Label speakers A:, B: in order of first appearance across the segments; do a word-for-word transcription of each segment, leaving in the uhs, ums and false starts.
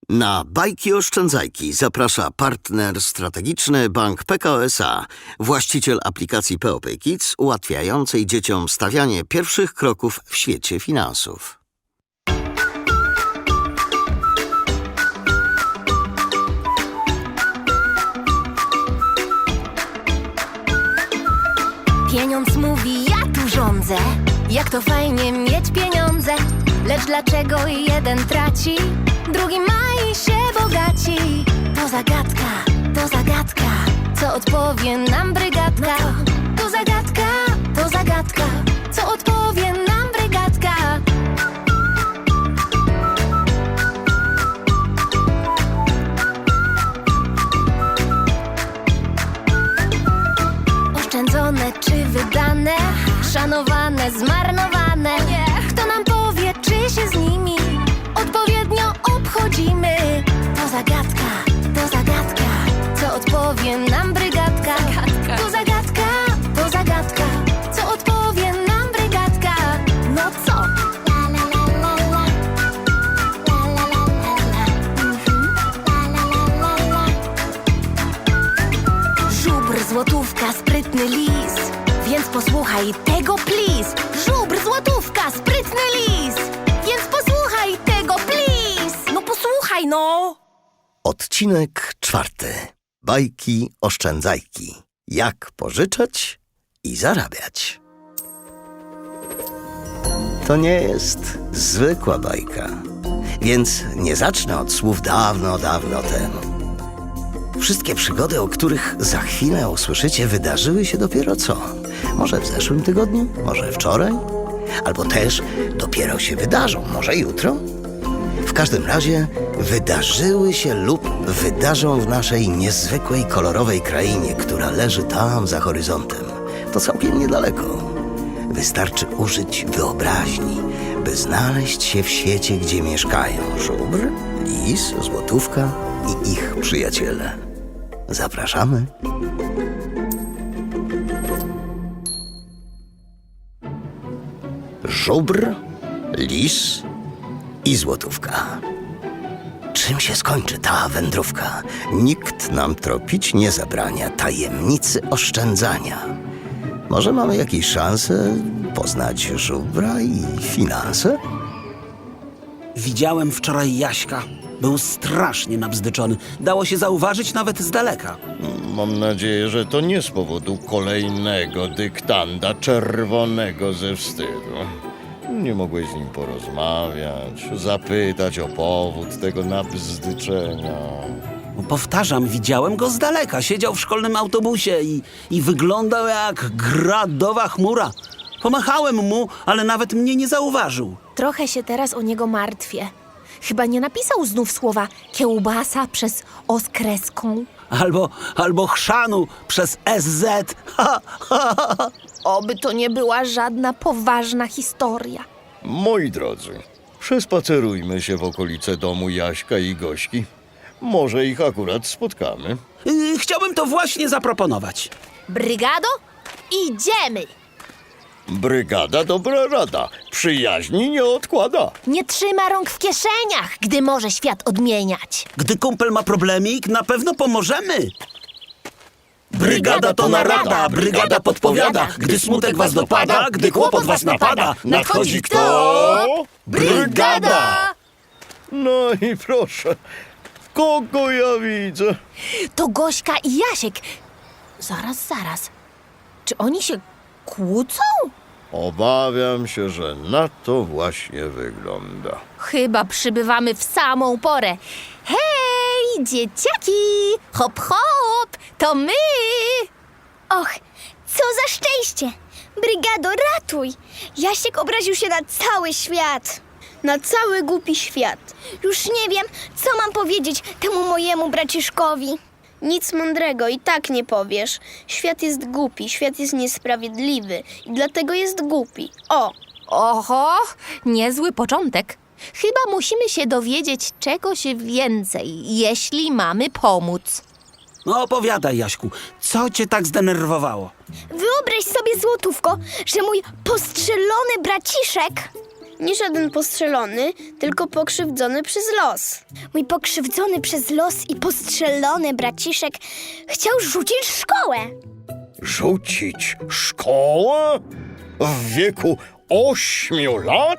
A: Na Bajki Oszczędzajki zaprasza partner strategiczny Bank P K O S A, właściciel aplikacji P O P Kids ułatwiającej dzieciom stawianie pierwszych kroków w świecie finansów.
B: Pieniądz mówi, ja tu rządzę. Jak to fajnie mieć pieniądze. Lecz dlaczego jeden traci, drugi ma i się bogaci? To zagadka, to zagadka. Co odpowie nam brygadka? To zagadka, to zagadka. Co odpowie nam brygadka? Oszczędzone czy wydane, szanowane, zmarnowane. Kto nam powie, czy się z nimi odpowiednio obchodzimy? To zagadka, to zagadka. Co odpowie nam brygadka? To zagadka, to zagadka. Co odpowie nam brygadka? No co? La la la la la. La la la la la. Mhm. La la la la la. Żubr, złotówka, sprytny lis. Więc posłuchaj tego, please. Żubr, złotówka, sprytny lis. Więc posłuchaj tego, please. No posłuchaj, no.
A: Odcinek czwarty. Bajki Oszczędzajki. Jak pożyczać i zarabiać. To nie jest zwykła bajka, więc nie zacznę od słów dawno, dawno temu. Wszystkie przygody, o których za chwilę usłyszycie, wydarzyły się dopiero co? Może w zeszłym tygodniu? Może wczoraj? Albo też dopiero się wydarzą? Może jutro? W każdym razie wydarzyły się lub wydarzą w naszej niezwykłej, kolorowej krainie, która leży tam za horyzontem. To całkiem niedaleko. Wystarczy użyć wyobraźni, by znaleźć się w świecie, gdzie mieszkają żubr, lis, złotówka i ich przyjaciele. Zapraszamy. Żubr, lis i złotówka. Czym się skończy ta wędrówka? Nikt nam tropić nie zabrania tajemnicy oszczędzania. Może mamy jakieś szanse poznać żubra i finanse?
C: Widziałem wczoraj Jaśka. Był strasznie nabzdyczony. Dało się zauważyć nawet z daleka.
D: Mam nadzieję, że to nie z powodu kolejnego dyktanda czerwonego ze wstydu. Nie mogłeś z nim porozmawiać, zapytać o powód tego nabzdyczenia.
C: No, powtarzam, widziałem go z daleka. Siedział w szkolnym autobusie i, i wyglądał jak gradowa chmura. Pomachałem mu, ale nawet mnie nie zauważył.
B: Trochę się teraz o niego martwię. Chyba nie napisał znów słowa kiełbasa przez O z kreską.
C: Albo, albo chrzanu przez S Z. Ha, ha, ha.
B: Oby to nie była żadna poważna historia.
D: Moi drodzy, przespacerujmy się w okolice domu Jaśka i Gośki. Może ich akurat spotkamy.
C: Yy, chciałbym to właśnie zaproponować.
B: Brygado, idziemy!
D: Brygada dobra rada, przyjaźni nie odkłada.
B: Nie trzyma rąk w kieszeniach, gdy może świat odmieniać.
C: Gdy kumpel ma problemik, na pewno pomożemy. Brygada to narada, brygada podpowiada. Gdy smutek was dopada, gdy kłopot was napada, nadchodzi kto? Brygada!
D: No i proszę, kogo ja widzę?
B: To Gośka i Jasiek. Zaraz, zaraz. Czy oni się kłócą?
D: Obawiam się, że na to właśnie wygląda.
B: Chyba przybywamy w samą porę. Hej, dzieciaki! Hop, hop! To my!
E: Och, co za szczęście! Brygado, ratuj! Jasiek obraził się na cały świat. Na cały głupi świat. Już nie wiem, co mam powiedzieć temu mojemu braciszkowi. Nic mądrego i tak nie powiesz. Świat jest głupi, świat jest niesprawiedliwy i dlatego jest głupi. O!
B: Oho, niezły początek. Chyba musimy się dowiedzieć czegoś więcej, jeśli mamy pomóc.
C: No opowiadaj, Jaśku, co cię tak zdenerwowało?
E: Wyobraź sobie, złotówko, że mój postrzelony braciszek
F: Nie żaden postrzelony, tylko pokrzywdzony przez los.
E: Mój pokrzywdzony przez los i postrzelony braciszek chciał rzucić szkołę.
D: Rzucić szkołę? W wieku ośmiu lat?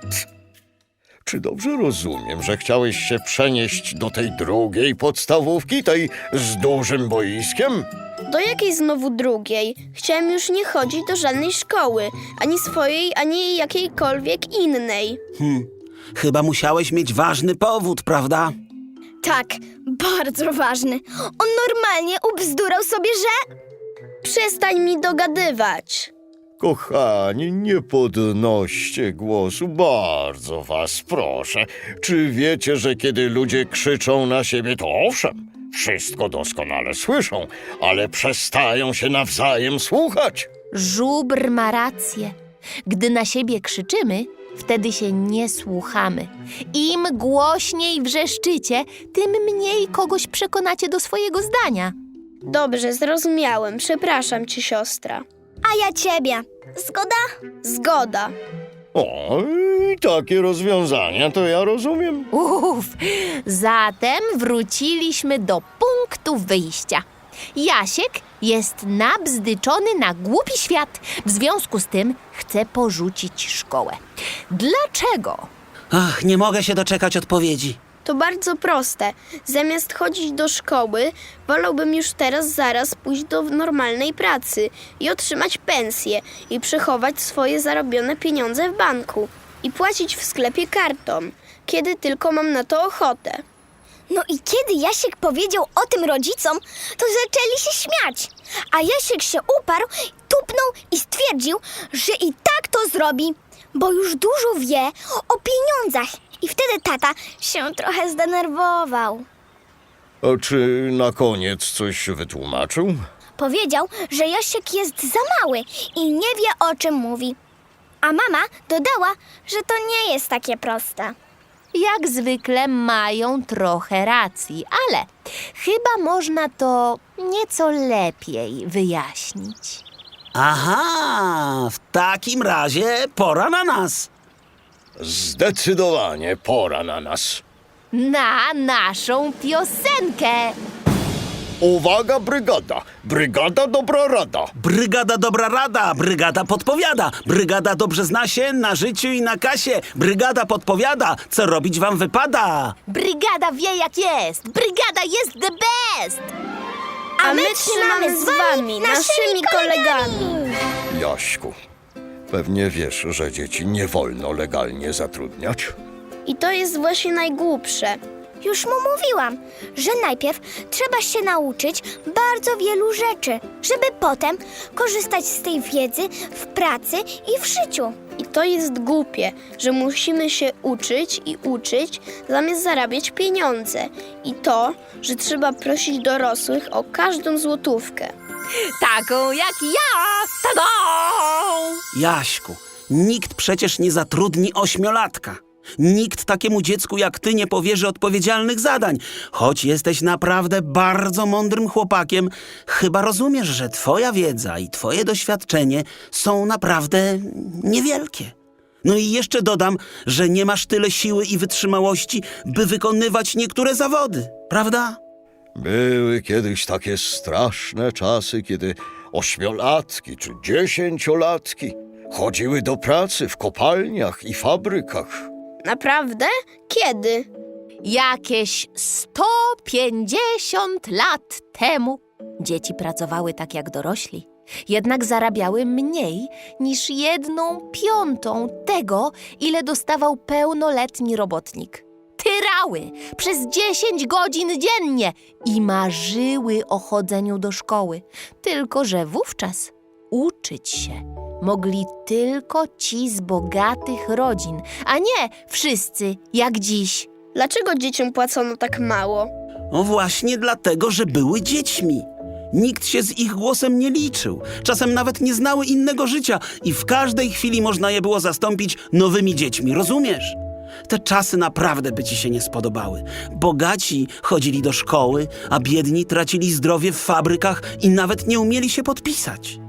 D: Czy dobrze rozumiem, że chciałeś się przenieść do tej drugiej podstawówki, tej z dużym boiskiem?
F: Do jakiej znowu drugiej? Chciałem już nie chodzić do żadnej szkoły, ani swojej, ani jakiejkolwiek innej.
C: Hmm, chyba musiałeś mieć ważny powód, prawda?
E: Tak, bardzo ważny. On normalnie ubzdurał sobie, że...
F: Przestań mi dogadywać.
D: Kochani, nie podnoście głosu, bardzo was proszę. Czy wiecie, że kiedy ludzie krzyczą na siebie, to owszem, wszystko doskonale słyszą, ale przestają się nawzajem słuchać?
G: Żubr ma rację. Gdy na siebie krzyczymy, wtedy się nie słuchamy. Im głośniej wrzeszczycie, tym mniej kogoś przekonacie do swojego zdania.
F: Dobrze, zrozumiałem. Przepraszam cię, siostra.
E: A ja ciebie. Zgoda?
F: Zgoda.
D: O, i takie rozwiązania to ja rozumiem.
G: Uff, zatem wróciliśmy do punktu wyjścia. Jasiek jest nabzdyczony na głupi świat. W związku z tym chce porzucić szkołę. Dlaczego?
C: Ach, nie mogę się doczekać odpowiedzi.
F: To bardzo proste. Zamiast chodzić do szkoły, wolałbym już teraz zaraz pójść do normalnej pracy i otrzymać pensję i przechować swoje zarobione pieniądze w banku i płacić w sklepie kartą, kiedy tylko mam na to ochotę.
E: No i kiedy Jasiek powiedział o tym rodzicom, to zaczęli się śmiać. A Jasiek się uparł, tupnął i stwierdził, że i tak to zrobi, bo już dużo wie o pieniądzach. I wtedy tata się trochę zdenerwował.
D: A czy na koniec coś wytłumaczył?
E: Powiedział, że Jasiek jest za mały i nie wie, o czym mówi. A mama dodała, że to nie jest takie proste.
G: Jak zwykle mają trochę racji, ale chyba można to nieco lepiej wyjaśnić.
C: Aha, w takim razie pora na nas.
D: Zdecydowanie pora na nas.
G: Na naszą piosenkę!
D: Uwaga, brygada! Brygada dobra rada!
C: Brygada dobra rada, brygada podpowiada. Brygada dobrze zna się na życiu i na kasie. Brygada podpowiada, co robić wam wypada.
G: Brygada wie jak jest! Brygada jest the best!
F: A my trzymamy z wami, naszymi kolegami.
D: Jaśku, pewnie wiesz, że dzieci nie wolno legalnie zatrudniać.
F: I to jest właśnie najgłupsze.
E: Już mu mówiłam, że najpierw trzeba się nauczyć bardzo wielu rzeczy, żeby potem korzystać z tej wiedzy w pracy i w życiu.
F: I to jest głupie, że musimy się uczyć i uczyć, zamiast zarabiać pieniądze. I to, że trzeba prosić dorosłych o każdą złotówkę.
G: Taką jak ja! Tada!
C: Jaśku, nikt przecież nie zatrudni ośmiolatka. Nikt takiemu dziecku jak ty nie powierzy odpowiedzialnych zadań. Choć jesteś naprawdę bardzo mądrym chłopakiem, chyba rozumiesz, że twoja wiedza i twoje doświadczenie są naprawdę niewielkie. No i jeszcze dodam, że nie masz tyle siły i wytrzymałości, by wykonywać niektóre zawody, prawda?
D: Były kiedyś takie straszne czasy, kiedy ośmiolatki czy dziesięciolatki chodziły do pracy w kopalniach i fabrykach.
F: Naprawdę? Kiedy?
G: Jakieś sto pięćdziesiąt lat temu dzieci pracowały tak jak dorośli, jednak zarabiały mniej niż jedną piątą tego, ile dostawał pełnoletni robotnik. Tyrały przez dziesięć godzin dziennie i marzyły o chodzeniu do szkoły, tylko że wówczas uczyć się mogli tylko ci z bogatych rodzin, a nie wszyscy jak dziś.
F: Dlaczego dzieciom płacono tak mało?
C: No właśnie dlatego, że były dziećmi. Nikt się z ich głosem nie liczył. Czasem nawet nie znały innego życia i w każdej chwili można je było zastąpić nowymi dziećmi, rozumiesz? Te czasy naprawdę by ci się nie spodobały. Bogaci chodzili do szkoły, a biedni tracili zdrowie w fabrykach i nawet nie umieli się podpisać.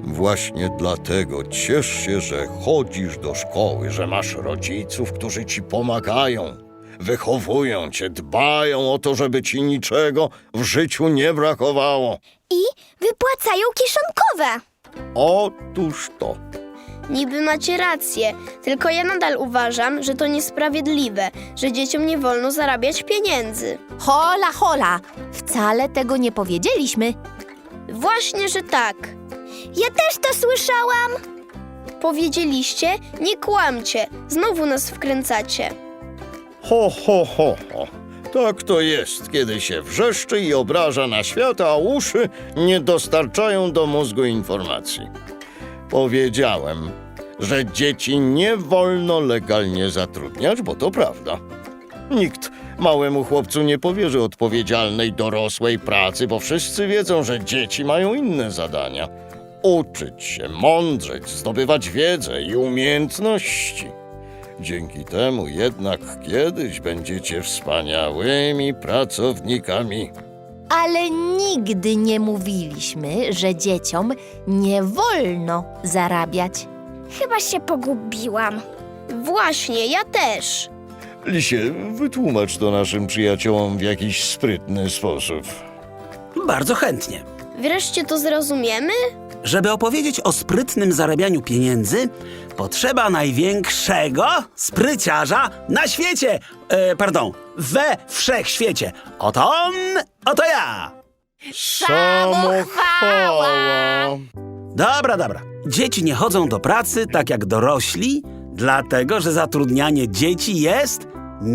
D: Właśnie dlatego ciesz się, że chodzisz do szkoły, że masz rodziców, którzy ci pomagają, wychowują cię, dbają o to, żeby ci niczego w życiu nie brakowało.
E: I wypłacają kieszonkowe.
D: Otóż to.
F: Niby macie rację, tylko ja nadal uważam, że to niesprawiedliwe, że dzieciom nie wolno zarabiać pieniędzy.
G: Hola, hola, wcale tego nie powiedzieliśmy.
F: Właśnie, że tak.
E: Ja też to słyszałam.
F: Powiedzieliście, nie kłamcie, znowu nas wkręcacie.
D: Ho, ho, ho, ho. Tak to jest, kiedy się wrzeszczy i obraża na świat, a uszy nie dostarczają do mózgu informacji. Powiedziałem, że dzieci nie wolno legalnie zatrudniać, bo to prawda. Nikt małemu chłopcu nie powierzy odpowiedzialnej, dorosłej pracy, bo wszyscy wiedzą, że dzieci mają inne zadania. Uczyć się, mądrzeć, zdobywać wiedzę i umiejętności. Dzięki temu jednak kiedyś będziecie wspaniałymi pracownikami.
G: Ale nigdy nie mówiliśmy, że dzieciom nie wolno zarabiać.
E: Chyba się pogubiłam.
F: Właśnie, ja też.
D: Lisie, wytłumacz to naszym przyjaciołom w jakiś sprytny sposób.
C: Bardzo chętnie.
F: Wreszcie to zrozumiemy?
C: Żeby opowiedzieć o sprytnym zarabianiu pieniędzy, potrzeba największego spryciarza na świecie. E, pardon, we wszechświecie. Oto on, oto ja.
D: Samochwała!
C: Dobra, dobra. Dzieci nie chodzą do pracy tak jak dorośli, dlatego że zatrudnianie dzieci jest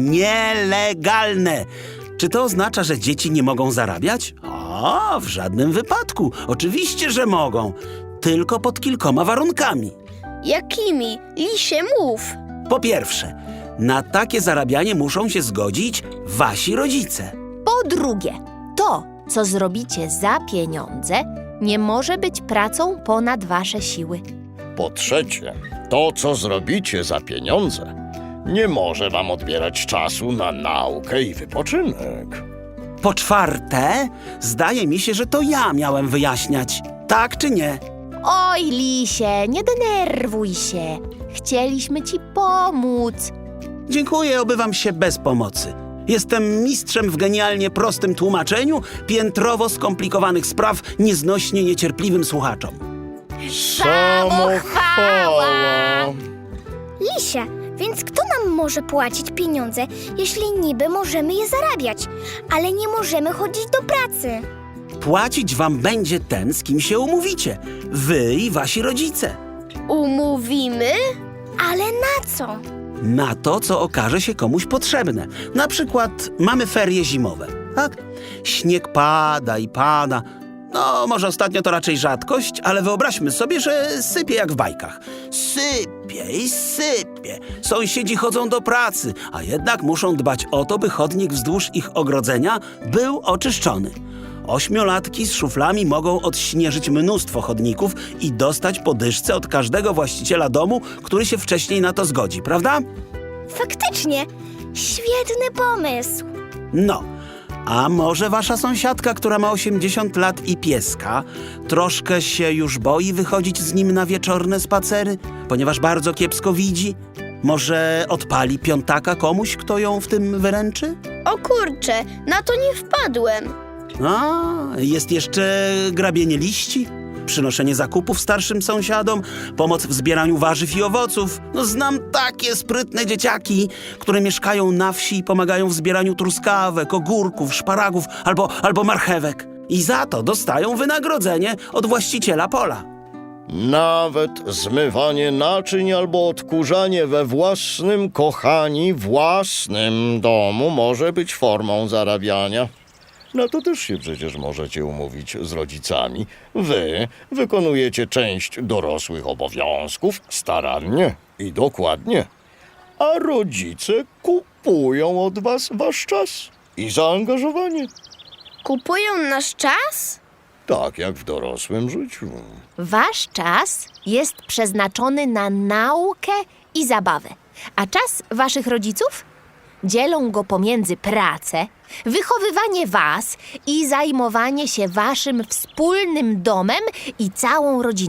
C: nielegalne. Czy to oznacza, że dzieci nie mogą zarabiać? O, w żadnym wypadku. Oczywiście, że mogą. Tylko pod kilkoma warunkami.
F: Jakimi? Lisie, mów.
C: Po pierwsze, na takie zarabianie muszą się zgodzić wasi rodzice.
G: Po drugie, to, co zrobicie za pieniądze, nie może być pracą ponad wasze siły.
D: Po trzecie, to co zrobicie za pieniądze nie może wam odbierać czasu na naukę i wypoczynek.
C: Po czwarte, zdaje mi się, że to ja miałem wyjaśniać. Tak czy nie?
G: Oj, Lisie, nie denerwuj się. Chcieliśmy ci pomóc.
C: Dziękuję, obywam się bez pomocy. Jestem mistrzem w genialnie prostym tłumaczeniu piętrowo skomplikowanych spraw nieznośnie niecierpliwym słuchaczom.
D: Samochwała!
E: Lisie, więc kto nam może płacić pieniądze, jeśli niby możemy je zarabiać, ale nie możemy chodzić do pracy?
C: Płacić wam będzie ten, z kim się umówicie. Wy i wasi rodzice.
F: Umówimy?
E: Ale na co?
C: Na to, co okaże się komuś potrzebne. Na przykład mamy ferie zimowe, tak? Śnieg pada i pada. No, może ostatnio to raczej rzadkość, ale wyobraźmy sobie, że sypie jak w bajkach. Sypie i sypie. Sąsiedzi chodzą do pracy, a jednak muszą dbać o to, by chodnik wzdłuż ich ogrodzenia był oczyszczony. Ośmiolatki z szuflami mogą odśnieżyć mnóstwo chodników i dostać po dyszce od każdego właściciela domu, który się wcześniej na to zgodzi, prawda?
E: Faktycznie, świetny pomysł.
C: No, a może wasza sąsiadka, która ma osiemdziesiąt lat i pieska, troszkę się już boi wychodzić z nim na wieczorne spacery, ponieważ bardzo kiepsko widzi? Może odpali piątaka komuś, kto ją w tym wyręczy?
F: O kurczę, na to nie wpadłem.
C: A, jest jeszcze grabienie liści, przynoszenie zakupów starszym sąsiadom, pomoc w zbieraniu warzyw i owoców. No, znam takie sprytne dzieciaki, które mieszkają na wsi i pomagają w zbieraniu truskawek, ogórków, szparagów albo, albo marchewek. I za to dostają wynagrodzenie od właściciela pola.
D: Nawet zmywanie naczyń albo odkurzanie we własnym, kochani, własnym domu może być formą zarabiania. Na to też się przecież możecie umówić z rodzicami. Wy wykonujecie część dorosłych obowiązków starannie i dokładnie, a rodzice kupują od was wasz czas i zaangażowanie.
F: Kupują nasz czas?
D: Tak jak w dorosłym życiu.
G: Wasz czas jest przeznaczony na naukę i zabawę, a czas waszych rodziców? Dzielą go pomiędzy pracę, wychowywanie was i zajmowanie się waszym wspólnym domem i całą rodziną.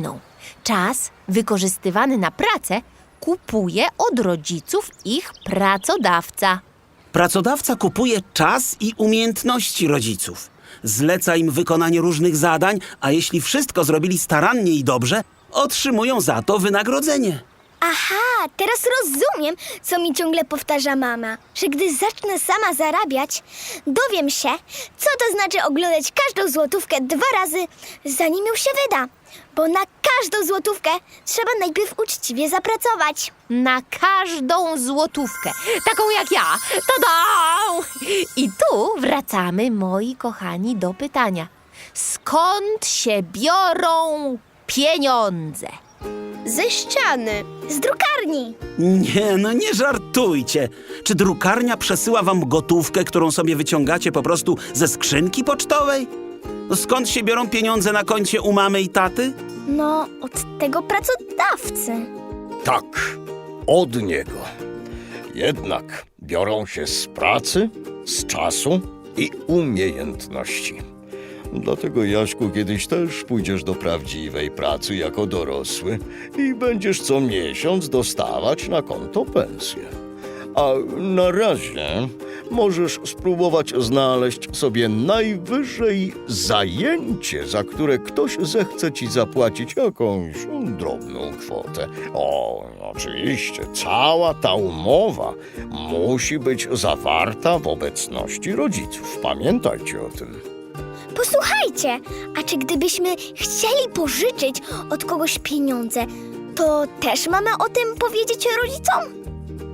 G: Czas wykorzystywany na pracę kupuje od rodziców ich pracodawca.
C: Pracodawca kupuje czas i umiejętności rodziców. Zleca im wykonanie różnych zadań, a jeśli wszystko zrobili starannie i dobrze, otrzymują za to wynagrodzenie.
E: Aha, teraz rozumiem, co mi ciągle powtarza mama, że gdy zacznę sama zarabiać, dowiem się, co to znaczy oglądać każdą złotówkę dwa razy, zanim ją się wyda. Bo na każdą złotówkę trzeba najpierw uczciwie zapracować.
G: Na każdą złotówkę, taką jak ja. Tada! I tu wracamy, moi kochani, do pytania. Skąd się biorą pieniądze?
F: Ze ściany.
E: Z drukarni.
C: Nie, no nie żartujcie. Czy drukarnia przesyła wam gotówkę, którą sobie wyciągacie po prostu ze skrzynki pocztowej? No skąd się biorą pieniądze na koncie u mamy i taty?
E: No, od tego pracodawcy.
D: Tak, od niego. Jednak biorą się z pracy, z czasu i umiejętności. Dlatego, Jaśku, kiedyś też pójdziesz do prawdziwej pracy jako dorosły i będziesz co miesiąc dostawać na konto pensję. A na razie możesz spróbować znaleźć sobie najwyżej zajęcie, za które ktoś zechce ci zapłacić jakąś drobną kwotę. O, oczywiście, cała ta umowa musi być zawarta w obecności rodziców. Pamiętajcie o tym.
E: Posłuchajcie, a czy gdybyśmy chcieli pożyczyć od kogoś pieniądze, to też mamy o tym powiedzieć rodzicom?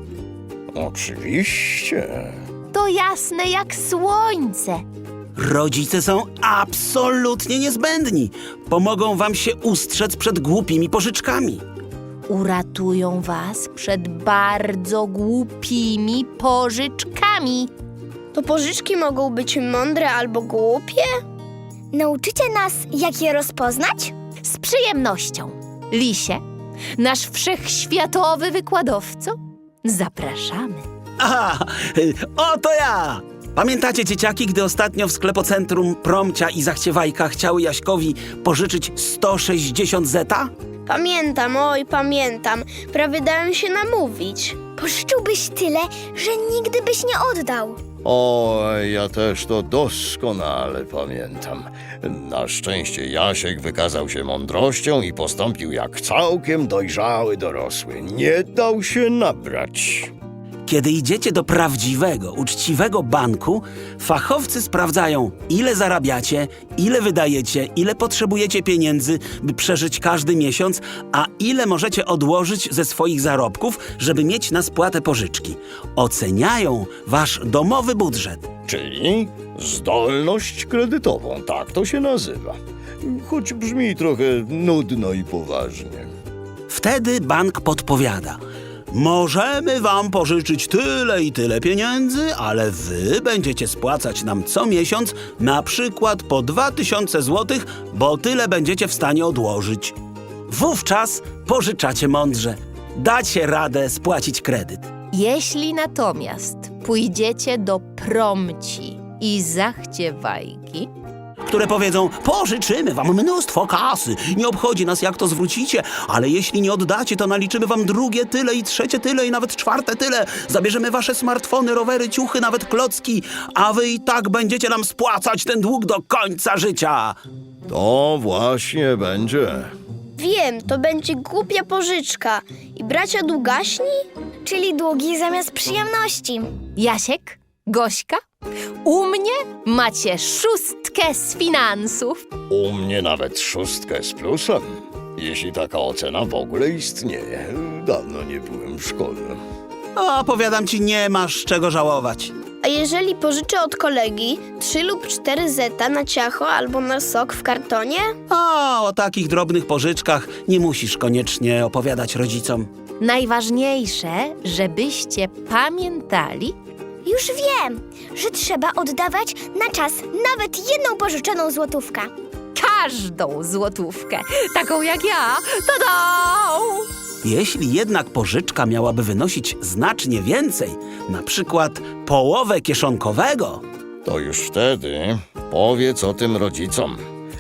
D: Oczywiście.
G: To jasne jak słońce.
C: Rodzice są absolutnie niezbędni. Pomogą wam się ustrzec przed głupimi pożyczkami.
G: Uratują was przed bardzo głupimi pożyczkami.
F: To pożyczki mogą być mądre albo głupie?
E: Nauczycie nas, jak je rozpoznać?
G: Z przyjemnością. Lisie, nasz wszechświatowy wykładowco, zapraszamy.
C: Aha, oto ja! Pamiętacie, dzieciaki, gdy ostatnio w sklepocentrum Promcia i Zachciewajka chciały Jaśkowi pożyczyć sto sześćdziesiąt zeta?
F: Pamiętam, oj, pamiętam. Prawie dałem się namówić.
E: Pożyczyłbyś tyle, że nigdy byś nie oddał.
D: O, ja też to doskonale pamiętam. Na szczęście Jasiek wykazał się mądrością i postąpił jak całkiem dojrzały dorosły. Nie dał się nabrać.
C: Kiedy idziecie do prawdziwego, uczciwego banku, fachowcy sprawdzają, ile zarabiacie, ile wydajecie, ile potrzebujecie pieniędzy, by przeżyć każdy miesiąc, a ile możecie odłożyć ze swoich zarobków, żeby mieć na spłatę pożyczki. Oceniają wasz domowy budżet.
D: Czyli zdolność kredytową, tak to się nazywa. Choć brzmi trochę nudno i poważnie.
C: Wtedy bank podpowiada: możemy wam pożyczyć tyle i tyle pieniędzy, ale wy będziecie spłacać nam co miesiąc na przykład po dwa tysiące złotych, bo tyle będziecie w stanie odłożyć. Wówczas pożyczacie mądrze. Dacie radę spłacić kredyt.
G: Jeśli natomiast pójdziecie do Promci i Zachciewajki,
C: Które powiedzą: pożyczymy wam mnóstwo kasy, nie obchodzi nas, jak to zwrócicie, ale jeśli nie oddacie, to naliczymy wam drugie tyle i trzecie tyle i nawet czwarte tyle. Zabierzemy wasze smartfony, rowery, ciuchy, nawet klocki, a wy i tak będziecie nam spłacać ten dług do końca życia.
D: To właśnie będzie.
F: Wiem, to będzie głupia pożyczka. I bracia długaśni?
E: Czyli długi zamiast przyjemności.
G: Jasiek, Gośka, u mnie macie szóstkę z finansów.
D: U mnie nawet szóstkę z plusem. Jeśli taka ocena w ogóle istnieje. Dawno nie byłem w szkole.
C: O, powiadam ci, nie masz czego żałować.
F: A jeżeli pożyczę od kolegi trzy lub cztery zeta na ciacho albo na sok w kartonie?
C: O, o takich drobnych pożyczkach nie musisz koniecznie opowiadać rodzicom.
G: Najważniejsze, żebyście pamiętali,
E: Już wiem, że trzeba oddawać na czas nawet jedną pożyczoną złotówkę.
G: każdą złotówkę, taką jak ja. Tada!
C: Jeśli jednak pożyczka miałaby wynosić znacznie więcej, na przykład połowę kieszonkowego,
D: To już wtedy powiedz o tym rodzicom.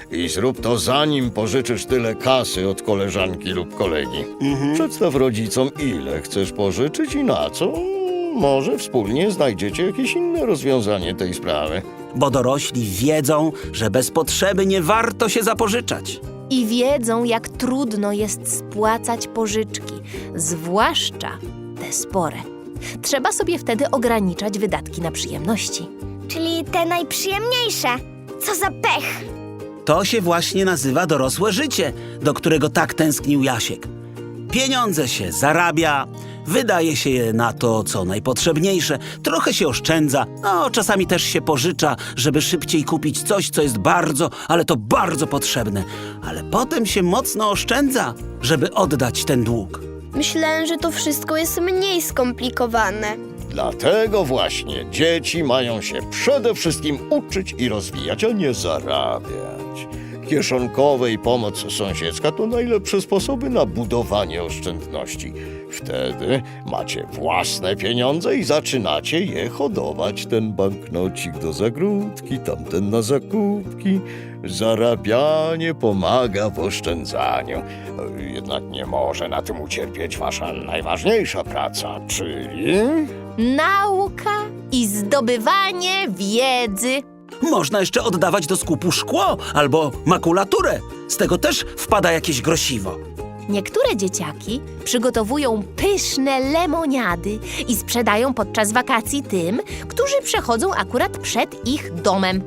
D: I zrób to zanim pożyczysz tyle kasy od koleżanki lub kolegi. Przedstaw rodzicom, ile chcesz pożyczyć i na co. Może wspólnie znajdziecie jakieś inne rozwiązanie tej sprawy.
C: Bo dorośli wiedzą, że bez potrzeby nie warto się zapożyczać.
G: I wiedzą, jak trudno jest spłacać pożyczki, zwłaszcza te spore. Trzeba sobie wtedy ograniczać wydatki na przyjemności.
E: Czyli te najprzyjemniejsze. Co za pech.
C: To się właśnie nazywa dorosłe życie, do którego tak tęsknił Jasiek. Pieniądze się zarabia, wydaje się je na to, co najpotrzebniejsze, trochę się oszczędza, no czasami też się pożycza, żeby szybciej kupić coś, co jest bardzo, ale to bardzo potrzebne. Ale potem się mocno oszczędza, żeby oddać ten dług.
F: Myślałem, że to wszystko jest mniej skomplikowane.
D: Dlatego właśnie dzieci mają się przede wszystkim uczyć i rozwijać, a nie zarabiać. Kieszonkowe i pomoc sąsiedzka to najlepsze sposoby na budowanie oszczędności. Wtedy macie własne pieniądze i zaczynacie je hodować. Ten banknocik do zagródki, tamten na zakupki. Zarabianie pomaga w oszczędzaniu. Jednak nie może na tym ucierpieć wasza najważniejsza praca, czyli...
G: Nauka i zdobywanie wiedzy.
C: Można jeszcze oddawać do skupu szkło albo makulaturę. Z tego też wpada jakieś grosiwo.
G: Niektóre dzieciaki przygotowują pyszne lemoniady i sprzedają podczas wakacji tym, którzy przechodzą akurat przed ich domem.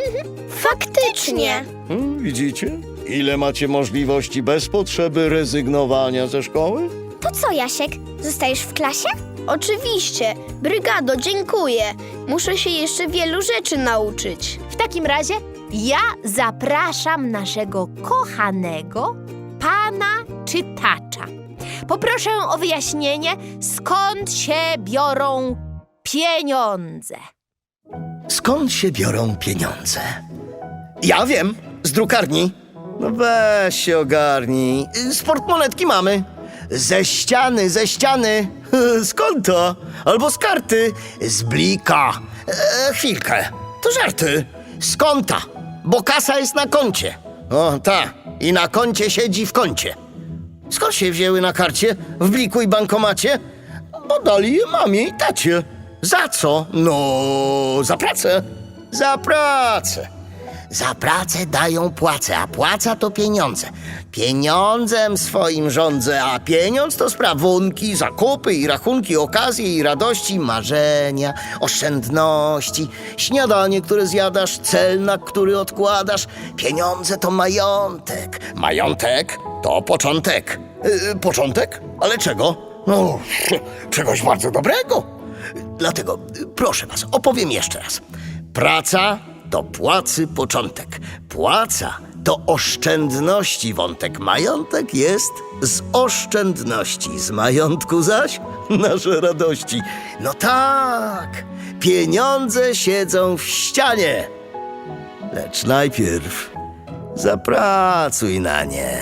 F: Faktycznie.
D: Hmm, widzicie? Ile macie możliwości bez potrzeby rezygnowania ze szkoły?
E: To co, Jasiek? Zostajesz w klasie?
F: Oczywiście. Brygado, dziękuję. Muszę się jeszcze wielu rzeczy nauczyć.
G: W takim razie ja zapraszam naszego kochanego pana czytacza. Poproszę o wyjaśnienie, skąd się biorą pieniądze.
A: Skąd się biorą pieniądze? Ja wiem, z drukarni. No weź się ogarnij. Z portmonetki mamy. Ze ściany, ze ściany. Skąd to? Albo z karty. Z blika. E, chwilkę. To żarty. Z konta, bo kasa jest na koncie. O, ta. I na koncie siedzi w kącie. Skąd się wzięły na karcie, w bliku i bankomacie? Bo dali je mamie i tacie. Za co? No, za pracę. Za pracę. Za pracę dają płacę, a płaca to pieniądze. Pieniądzem swoim rządzę, a pieniądz to sprawunki, zakupy i rachunki, okazje i radości, marzenia, oszczędności, śniadanie, które zjadasz, cel, na który odkładasz. Pieniądze to majątek. Majątek to początek. Yy, początek? Ale czego? No, czegoś bardzo dobrego. Dlatego, proszę was, opowiem jeszcze raz. Praca to płacy początek. Płaca to oszczędności wątek. Majątek jest z oszczędności. Z majątku zaś nasze radości. No tak, pieniądze siedzą w ścianie. Lecz najpierw zapracuj na nie.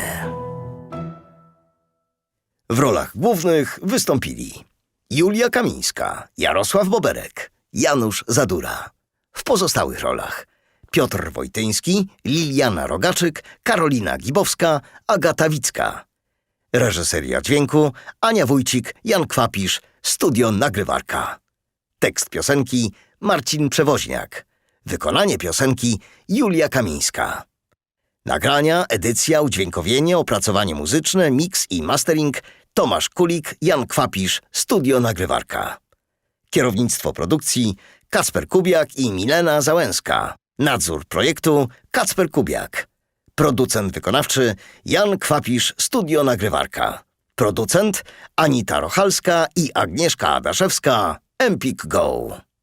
A: W rolach głównych wystąpili Julia Kamińska, Jarosław Boberek, Janusz Zadura. W pozostałych rolach Piotr Wojtyński, Liliana Rogaczyk, Karolina Gibowska, Agata Wicka. Reżyseria dźwięku Ania Wójcik, Jan Kwapisz, Studio Nagrywarka. Tekst piosenki Marcin Przewoźniak. Wykonanie piosenki Julia Kamińska. Nagrania, edycja, udźwiękowienie, opracowanie muzyczne, mix i mastering Tomasz Kulik, Jan Kwapisz, Studio Nagrywarka. Kierownictwo produkcji Kacper Kubiak i Milena Załęska. Nadzór projektu Kacper Kubiak. Producent wykonawczy Jan Kwapisz, Studio Nagrywarka. Producent Anita Rochalska i Agnieszka Adaszewska, Empik Go.